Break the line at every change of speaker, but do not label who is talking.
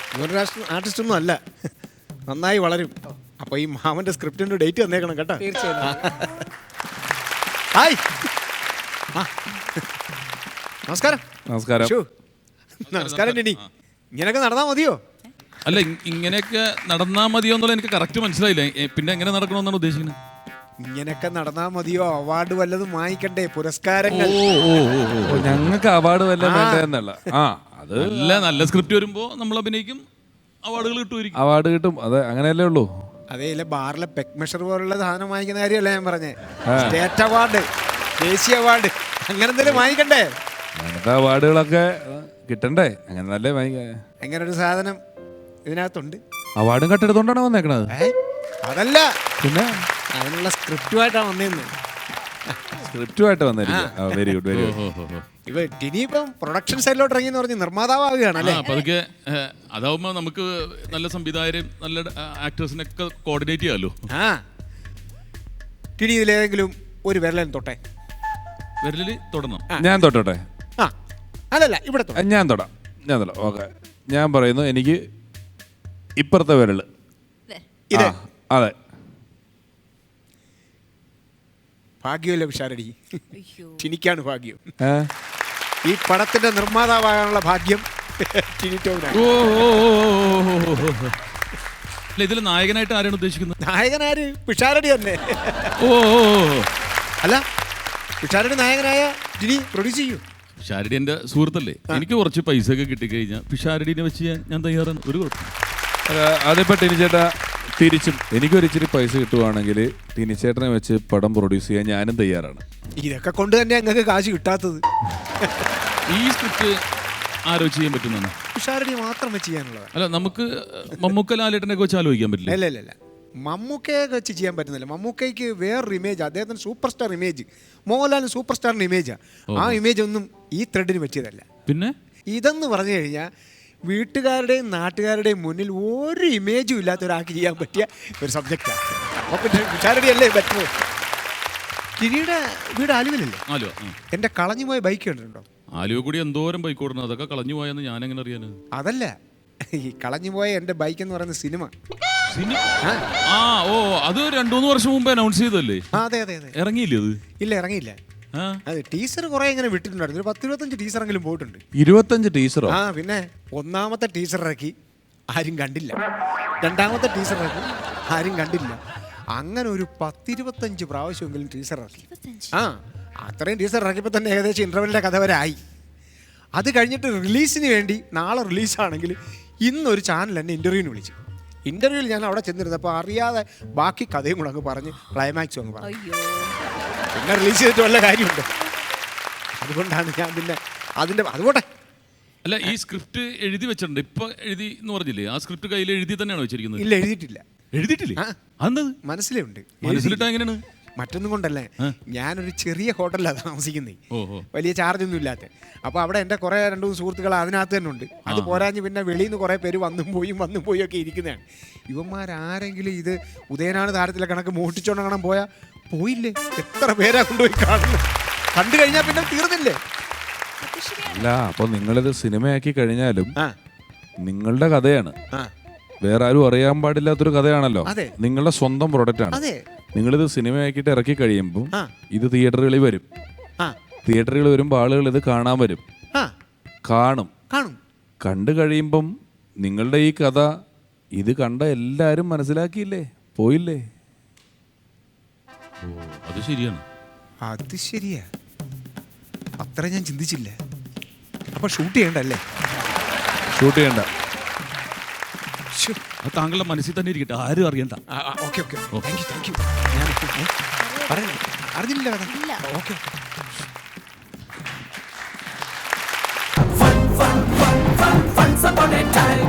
ഇവരുടെ ആർട്ടിസ്റ്റ് ഒന്നും അല്ല, നന്നായി വളരും. അപ്പൊ ഈ മാമന്റെ സ്ക്രിപ്റ്റിന്റെ ഡേറ്റ് തന്നേക്കണം കേട്ടോ.
തീർച്ചയായും.
ഹായ്, നമസ്കാരം.
നമസ്കാരം.
നമസ്കാരം ടിനി. ഇങ്ങനെയൊക്കെ നടന്നാ മതിയോ?
അല്ല, ഇങ്ങനെയൊക്കെ നടന്നാ മതിയോ എന്നുള്ള എനിക്ക് കറക്റ്റ് മനസ്സിലായില്ല. പിന്നെ എങ്ങനെ നടക്കണമെന്നാണ് ഉദ്ദേശിക്കുന്നത്?
ഇങ്ങനെയൊക്കെ നടന്നാ മതിയോ? അവാർഡ് വല്ലതും വാങ്ങിക്കണ്ടേ, പുരസ്കാരങ്ങൾ?
ഞങ്ങൾക്ക് അവാർഡ് വല്ലതും വേണ്ടതെന്നല്ല. അത്
നല്ല സ്ക്രിപ്റ്റ് വരുമ്പോ നമ്മൾ അഭിനയിക്കും, അവാർഡുകൾ കിട്ടുമായിരിക്കും.
അവാർഡ് കിട്ടും, അതെ, അങ്ങനെയല്ലേ ഉള്ളൂ.
അതേ ഇല്ല, ബാറിലെ പെക് മെഷർ പോലുള്ള സാധനം വാങ്ങിക്കുന്ന കാര്യമല്ല ഞാൻ പറഞ്ഞേ. സ്റ്റേറ്റ് അവാർഡ്, ദേശീയ അവാർഡ്, അങ്ങനെ എന്തെങ്കിലും വാങ്ങിക്കണ്ടേ?
അങ്ങനത്തെ അവാർഡുകളൊക്കെ കിട്ടണ്ടേ, അങ്ങനെ നല്ല
അങ്ങനെ ഒരു സാധനം ഇതിനകത്തുണ്ട്.
അവാർഡും കട്ടെടുത്തോണ്ടാണ് വന്നേക്കണത്.
അതല്ല,
പിന്നെ
അതിനുള്ള സ്ക്രിപ്റ്റുമായിട്ടാണ് വന്നേന്ന്.
സ്ക്രിപ്റ്റുമായിട്ട് വന്നിരിക്കുക. Very good, very good.
ഇപ്പൊ ടിനി ഇപ്പം പ്രൊഡക്ഷൻ സൈഡിലോട്ട് ഇറങ്ങി എന്ന് പറഞ്ഞ് നിർമ്മാതാവുകയാണ് അല്ലേ?
അതൊക്കെ അതാവുമ്പോ നമുക്ക് നല്ല സംവിധായകരും നല്ല ആക്ടേഴ്സിനൊക്കെ കോർഡിനേറ്റ് ചെയ്യാമല്ലോ.
ടിനി ഇതിലേതെങ്കിലും ഒരു വിരലൻ തൊട്ടെ.
വിരലിൽ തൊടണം.
ഞാൻ തൊട്ടോട്ടെ?
അല്ലല്ല, ഇവിടെ
ഞാൻ തൊടാം. ഓക്കെ, ഞാൻ പറയുന്നു, എനിക്ക് ഇപ്പുറത്തെ വിരല്. അതെ.
ഭാഗ്യമല്ല വിശാരടി, ടിനിക്കാണ് ഭാഗ്യം. ഈ പടത്തിന്റെ നിർമ്മാതാവാകാനുള്ള ഭാഗ്യം ടിനിറ്റോവിനാണ്.
അല്ല, ഇതിൽ നായകനായിട്ട് ആരാണ് ഉദ്ദേശിക്കുന്നത്?
നായകനാര്? പിഷാരടി തന്നെ. അല്ല, പിഷാരടി നായകനായ ടിനി പ്രൊഡ്യൂസ് ചെയ്യൂ.
പിഷാരടി എൻ്റെ സുഹൃത്തല്ലേ, എനിക്ക് കുറച്ച് പൈസ ഒക്കെ കിട്ടിക്കഴിഞ്ഞാൽ പിഷാരടിനെ വെച്ച് ഞാൻ തയ്യാറാണ്. ഒരു കുഴപ്പം.
അതിപ്പോ ടിനിച്ചേട്ടാ തിരിച്ചും എനിക്കൊരു ഇച്ചിരി പൈസ കിട്ടുവാണെങ്കിൽ ടിനിച്ചേട്ടനെ വെച്ച് പടം പ്രൊഡ്യൂസ് ചെയ്യാൻ ഞാനും തയ്യാറാണ്.
ഇതൊക്കെ കൊണ്ട് തന്നെ ഞങ്ങൾക്ക് കാശ് കിട്ടാത്തത്.
ഈ സ്ക്രിപ്റ്റ് ആലോചിച്ച് ചെയ്യാൻ പറ്റുന്നതാണ്.
പിഷാരടി മാത്രം വെച്ച് ചെയ്യാനുള്ളത്.
അല്ല, നമുക്ക് മമ്മൂക്ക ലാലേട്ടനെ വെച്ച് ആലോചിക്കാൻ പറ്റില്ല.
അല്ല, മമ്മൂക്കയെ വെച്ച് ചെയ്യാൻ പറ്റുന്നില്ല. മമ്മൂക്കയ്ക്ക് വേറൊരു ഇമേജ്, അദ്ദേഹത്തിന് സൂപ്പർ സ്റ്റാർ ഇമേജ്, മോഹൻലാലിന് സൂപ്പർ സ്റ്റാറിൻ്റെ ഇമേജാണ്. ആ ഇമേജ് ഒന്നും ഈ ത്രെഡിന് പറ്റിയതല്ല.
പിന്നെ
ഇതെന്ന് പറഞ്ഞു കഴിഞ്ഞാൽ വീട്ടുകാരുടെയും നാട്ടുകാരുടെയും മുന്നിൽ ഒരു ഇമേജും ഇല്ലാത്ത ഒരാൾക്ക് ചെയ്യാൻ പറ്റിയ ഒരു സബ്ജക്റ്റാണ്. അപ്പോൾ പിന്നെ പിഷാരടി അല്ലേ ബെറ്റർ. ടിനിയുടെ വീട് ആലുവയിലല്ലേ?
ആലുവ.
എൻ്റെ കളഞ്ഞുപോയ ബൈക്ക് കണ്ടിട്ടുണ്ടോ?
ആലുവ കൂടി എന്തോരം ബൈക്ക് ഓടണം, അതൊക്കെ കളഞ്ഞു പോയെന്ന് ഞാൻ എങ്ങനെ അറിയാൻ?
അതല്ല, ഈ കളഞ്ഞുപോയ എൻ്റെ ബൈക്ക് എന്ന് പറയുന്ന സിനിമ.
അത് 2-3 വർഷം മുമ്പ് അനൗൺസ് ചെയ്തല്ലേ?
അതെ.
ഇറങ്ങിയില്ലേ അത്?
ഇല്ല, ഇറങ്ങിയില്ല. അതെ, ടീസർ കുറെ ഇങ്ങനെ വിട്ടിട്ടുണ്ടായിരുന്നു. 10-25 ടീസറെങ്കിലും പോയിട്ടുണ്ട്.
25 ടീസറോ?
പിന്നെ ഒന്നാമത്തെ ടീസർ ഇറക്കി, ആരും കണ്ടില്ല. രണ്ടാമത്തെ ടീസർ ഇറക്കി, ആരും കണ്ടില്ല. അങ്ങനെ ഒരു 10-25 പ്രാവശ്യമെങ്കിലും ടീസർ ഇറക്കി. അത്രയും ടീസർ ഇറക്കിയപ്പോൾ തന്നെ ഏകദേശം ഇന്റർവെല്ലിന്റെ കഥ വരെ ആയി. അത് കഴിഞ്ഞിട്ട് റിലീസിന് വേണ്ടി നാളെ റിലീസാണെങ്കിൽ ഇന്നൊരു ചാനൽ എന്നെ ഇന്റർവ്യൂവിന് വിളിച്ചു. ഇന്റർവ്യൂവിൽ ഞാൻ അവിടെ ചെന്നിരുന്നപ്പോൾ അറിയാതെ ബാക്കി കഥയും കൂടെ അങ്ങ് പറഞ്ഞ് ക്ലൈമാക്സും അങ്ങ് പറഞ്ഞു. പിന്നെ റിലീസ് ചെയ്തിട്ട് വല്ല കാര്യമുണ്ട്. അതുകൊണ്ടാണ് ഞാൻ പിന്നെ അതുകൊണ്ടേ.
അല്ല, ഈ സ്ക്രിപ്റ്റ് എഴുതി വെച്ചിട്ടുണ്ട്, ഇപ്പൊ എഴുതി എന്ന് പറഞ്ഞില്ലേ? ആ സ്ക്രിപ്റ്റ് കയ്യിൽ എഴുതി തന്നെയാണോ വെച്ചിരിക്കുന്നത്?
ഇല്ല, എഴുതിയിട്ടില്ല.
എഴുതിയിട്ടില്ലേ? അതെന്ത്?
മനസ്സിലേ ഉണ്ട്.
മനസ്സിലിട്ടാ എങ്ങനെയാണ്?
മറ്റൊന്നും കൊണ്ടല്ലേ, ഞാനൊരു ചെറിയ ഹോട്ടലിലാണ് താമസിക്കുന്നത്, വലിയ ചാർജൊന്നും ഇല്ലാത്ത. അപ്പോൾ അവിടെ എൻ്റെ കുറേ 2-3 സുഹൃത്തുക്കൾ അതിനകത്ത് തന്നെ ഉണ്ട്. അത് പോരാഞ്ഞ് പിന്നെ വെളിയിൽ നിന്ന് കുറേ പേര് വന്നും പോയും ഒക്കെ ഇരിക്കുന്നതാണ്. ഇവന്മാരാരെങ്കിലും ഇത് ഉദയനാണ് താരത്തിലെ കണക്ക് മോഷ്ടിച്ചോണ്ട് കാണാൻ പോയില്ലേ? എത്ര പേരാ കൊണ്ടുപോയി കാണുന്നത്? കണ്ടു കഴിഞ്ഞാൽ പിന്നെ തീർന്നില്ലേ?
അല്ല, അപ്പൊ നിങ്ങളിത് സിനിമയാക്കി കഴിഞ്ഞാലും നിങ്ങളുടെ കഥയാണ്, വേറെ ആരും അറിയാൻ പാടില്ലാത്തൊരു കഥയാണല്ലോ. നിങ്ങളുടെ സ്വന്തം പ്രൊഡക്റ്റ് ആണ്. നിങ്ങളിത് സിനിമയാക്കിയിട്ട് ഇറക്കി കഴിയുമ്പോൾ ഇത് തിയേറ്ററുകളിൽ വരും. തിയേറ്ററുകളിൽ വരുമ്പോൾ ആളുകൾ ഇത് കാണാൻ വരും, കാണും. കണ്ടു കഴിയുമ്പം നിങ്ങളുടെ ഈ കഥ ഇത് കണ്ട എല്ലാരും മനസ്സിലാക്കിയില്ലേ, പോയില്ലേ?
അത് ശരിയാണ്.
അത് ശരിയാ, അത്ര ഞാൻ ചിന്തിച്ചില്ല. അപ്പൊ ഷൂട്ട് ചെയ്യണ്ടല്ലേ?
ഷൂട്ട് ചെയ്യണ്ട.
താങ്കളുടെ മനസ്സിൽ തന്നെ ഇരിക്കട്ടെ, ആരും അറിയണ്ട.
Thank you. ഞാൻ അറിഞ്ഞില്ല കഥ. Okay.
Once upon a time